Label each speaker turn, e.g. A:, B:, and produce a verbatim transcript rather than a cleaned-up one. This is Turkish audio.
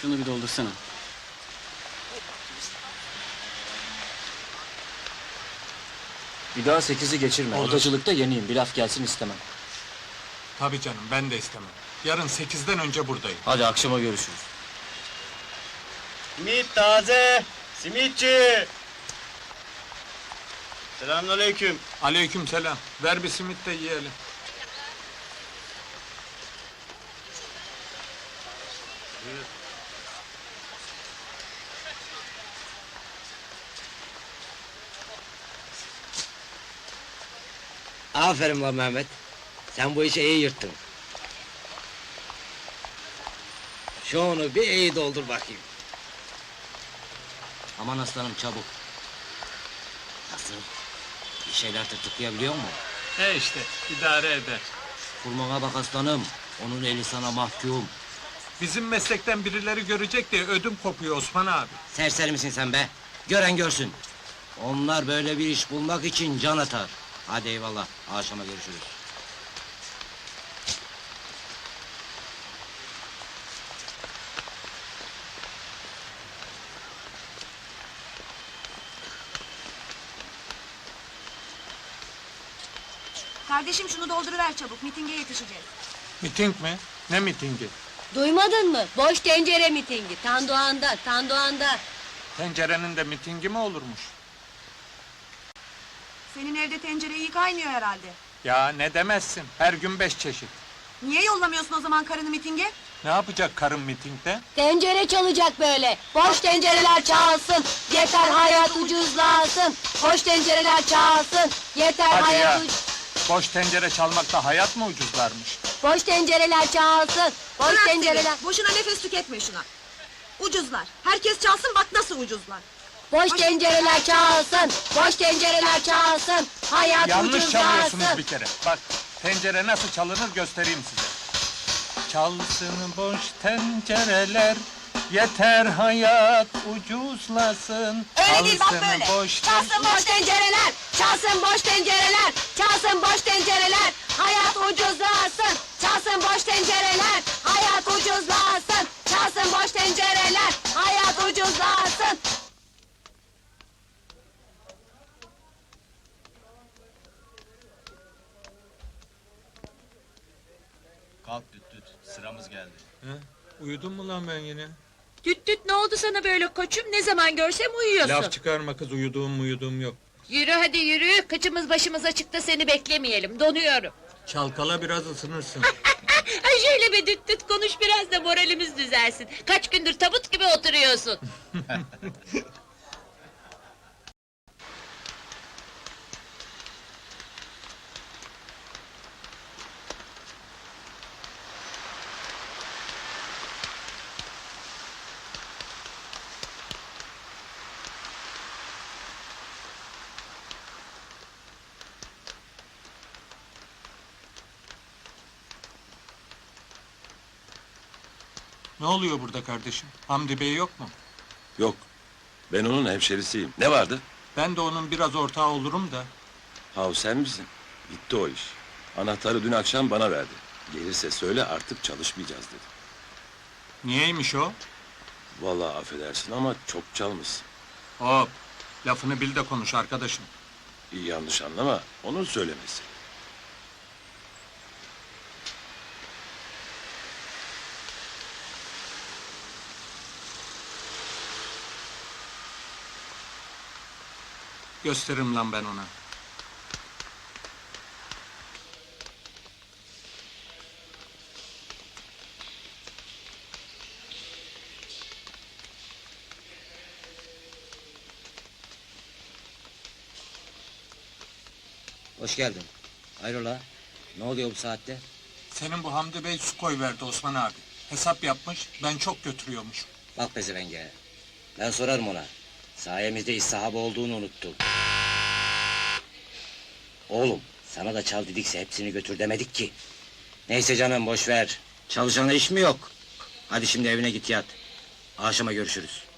A: Şunu bir doldursana.
B: Bir daha sekizi geçirme.
C: Olur.
B: Odacılıkta yeniyim. Bir laf gelsin istemem.
C: Tabii canım, ben de istemem. Yarın sekizden önce buradayım.
B: Hadi akşama görüşürüz.
A: Simit taze! Simitçi! Selamünaleyküm.
C: Aleyküm selam. Ver bir simit de yiyelim.
D: Aferin lan Mehmet. Sen bu işi iyi yırttın. Şunu bir iyi doldur bakayım. Aman aslanım çabuk. Nasıl? Bir şeyler tırtıklayabiliyor mu?
C: E işte, idare eder.
D: Kurmana bak aslanım. Onun eli sana mahkum.
C: Bizim meslekten birileri görecek diye ödüm kopuyor Osman abi.
D: Serseri misin sen be? Gören görsün. Onlar böyle bir iş bulmak için can atar. Hadi eyvallah. Akşama görüşürüz.
E: Kardeşim şunu dolduruver çabuk, mitinge yetişeceğiz.
C: Miting mi? Ne mitingi?
F: Duymadın mı? Boş tencere mitingi. Tandoğan'da, Tandoğan'da.
C: Tencerenin de mitingi mi olurmuş?
E: Senin evde tencere iyi kaynıyor herhalde.
C: Ya ne demezsin, her gün beş çeşit.
E: Niye yollamıyorsun o zaman karını mitinge?
C: Ne yapacak karın mitingde?
F: Tencere çalacak böyle. Boş tencereler çalsın. Yeter hayat ucuzlasın. Boş tencereler çalsın. Yeter
C: Hadi
F: hayat
C: ya.
F: uc...
C: Boş tencere çalmakta hayat mı ucuzlarmış?
F: Boş tencereler çalsın. Boş
E: Bırak
F: tencereler...
E: seni, boşuna nefes tüketme şuna. Ucuzlar, herkes çalsın bak nasıl ucuzlar.
F: Boş tencereler çalsın. Boş tencereler çalsın. Hayat
C: Yanlış
F: ucuzlasın.
C: çalıyorsunuz bir kere. Bak, tencere nasıl çalınır göstereyim size. Çalsın boş tencereler, yeter hayat ucuzlasın.
E: Öyle değil, bak
C: Çalsın
E: böyle.
C: boş
F: Çalsın boş tencereler. Çalsın boş tencereler. Çalsın boş tencereler. Hayat ucuzlasın. Çalsın boş tencereler. Hayat ucuzlasın. Çalsın boş tencereler. Hayat ucuzlasın.
A: Kalk düt düt, sıramız geldi.
C: He? Uyudun mu lan ben yine?
G: Düt düt ne oldu sana böyle koçum? Ne zaman görsem uyuyorsun.
C: Laf çıkarma kız, uyuduğum uyuduğum yok.
G: Yürü hadi yürü. Kıçımız başımız açıkta seni beklemeyelim. Donuyorum.
C: Çalkala biraz ısınırsın.
G: Ay şöyle bir düt düt konuş biraz da moralimiz düzelsin. Kaç gündür tabut gibi oturuyorsun.
C: Ne oluyor burada kardeşim? Hamdi Bey yok mu?
H: Yok, ben onun hemşerisiyim. Ne vardı?
C: Ben de onun biraz ortağı olurum da.
H: Hav sen misin? Bitti o iş. Anahtarı dün akşam bana verdi. Gelirse söyle artık çalışmayacağız dedi.
C: Niyeymiş o?
H: Vallahi affedersin ama çok çalmışsın.
C: Hop, lafını bil de konuş arkadaşım.
H: İyi yanlış anlama, onun söylemesi.
C: Gösteririm lan ben ona.
D: Hoş geldin. Hayrola? Ne oluyor bu saatte?
C: Senin bu Hamdi Bey su koyverdi Osman abi. Hesap yapmış, ben çok götürüyormuş.
D: Bak pezevenge. Ben sorarım ona. Sayemizde iş sahibi olduğunu unuttu. Oğlum, sana da çal dedikse hepsini götür demedik ki. Neyse canım, boş ver. Çalışana iş mi yok? Hadi şimdi evine git yat. Akşama görüşürüz.